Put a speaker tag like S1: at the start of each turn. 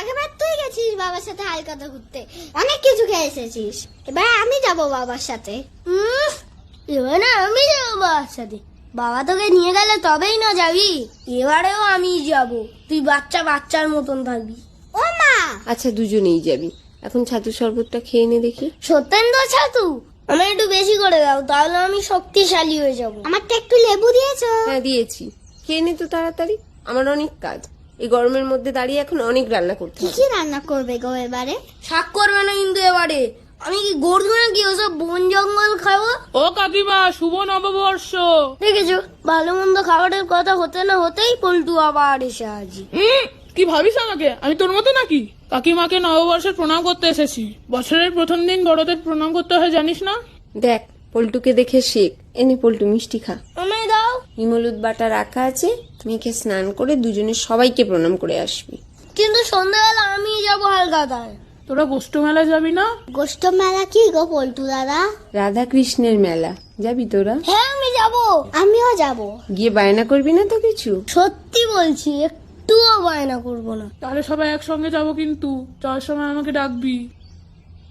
S1: আগেবার তুই গেছিস বাবার সাথে হালকাতা ঘুরতে, অনেক কিছু খেয়ে এসেছিস। এবার আমি যাব বাবার সাথে।
S2: এবার না আমি যাবো বাবার সাথে, বাবা তোকে নিয়ে গেলে তবেই না যাবি। এবারেও আমি যাব, তুই বাচ্চার মতন থাকবি।
S1: ও মা,
S3: আচ্ছা দুজনেই যাবি। এখন ছাতু শরবতটা খেয়ে নে দেখি।
S2: সত্যেন্দ্র ছাতু আমার একটু বেশি করে দাও, তাহলে আমি শক্তিশালী হয়ে যাব।
S1: আমারটা একটু লেবু দিয়েছো?
S3: হ্যাঁ দিয়েছি, খেয়ে নে তো তাড়াতাড়ি। আমার অনেক কাজ, এই গরমের মধ্যে দাঁড়িয়ে এখন অনেক রান্না করতে
S1: কি
S3: হবে।
S1: কি রান্না করবে গো এবারে?
S2: শাক করবে না কিন্তু এবারে। আমি কি গরু নাকি ওসব বন জঙ্গল খাবো?
S4: ও কাকিমা, শুভ নববর্ষ।
S2: দেখেছো, ভালো মন্দ খাবারের কথা হতে না হতেই পল্টু আবার এসে হাজির।
S4: কি ভাবিস আমাকে? আমি তোর মতো নাকি? কাকিমাকে নববর্ষের প্রণাম করতে এসেছি। বছরের প্রথম দিন বড়দের প্রণাম করতে হয়, জানিস না?
S3: দেখ পল্টুকে দেখে শেখ। এনে পল্টু মিষ্টি খা।
S2: আমায় দাও।
S3: হিমলুদ বাটা রাখা আছে, মেখে স্নান করে দুজনে সবাইকে প্রণাম করে আসবি।
S2: কিন্তু সন্ধ্যাবেলা আমি যাবো হালকাতায়।
S4: তোরা গোষ্ঠ মেলায় যাবি না?
S1: গোষ্ঠ মেলা কি গো পল্টু দাদা?
S3: রাধা কৃষ্ণের মেলা, যাবি তোরা?
S2: হ্যাঁ আমি যাবো।
S1: আমিও যাব।
S3: গিয়ে বায়না করবি না তো কিছু?
S2: সত্যি বলছি, একটুও বায়না করবো না।
S4: তাহলে সবাই একসঙ্গে যাবো, কিন্তু যাওয়ার সময় আমাকে ডাকবি।